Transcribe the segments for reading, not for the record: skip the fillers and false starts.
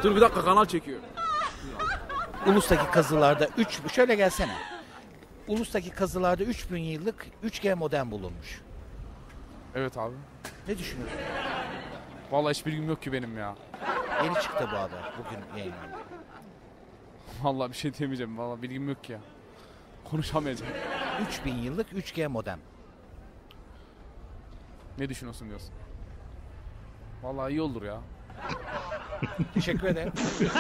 Dur bir dakika, kanal çekiyor. Ulus'taki kazılarda şöyle gelsene. Ulus'taki kazılarda 3000 yıllık 3G modem bulunmuş. Evet abi. Ne düşünüyorsun? Vallahi hiçbir bilgim yok ki benim ya. Yeni çıktı bu haber. Bugün yayınlandı. Vallahi bir şey diyemeyeceğim. Vallahi bilgim yok ki ya. Konuşamayacağım. 3000 yıllık 3G modem. Ne düşünüyorsun diyorsun? Vallahi iyi olur ya. Teşekkür ederim.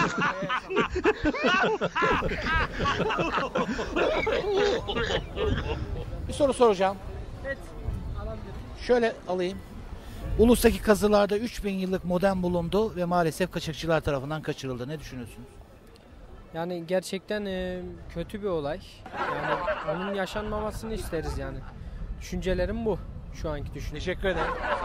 Bir soru soracağım. Evet, alabilirim. Şöyle alayım. Ulus'taki kazılarda 3000 yıllık modem bulundu ve maalesef kaçakçılar tarafından kaçırıldı. Ne düşünüyorsunuz? Yani gerçekten kötü bir olay. Yani onun yaşanmamasını isteriz yani. Düşüncelerim bu. Şu anki düşüncem. Teşekkür ederim.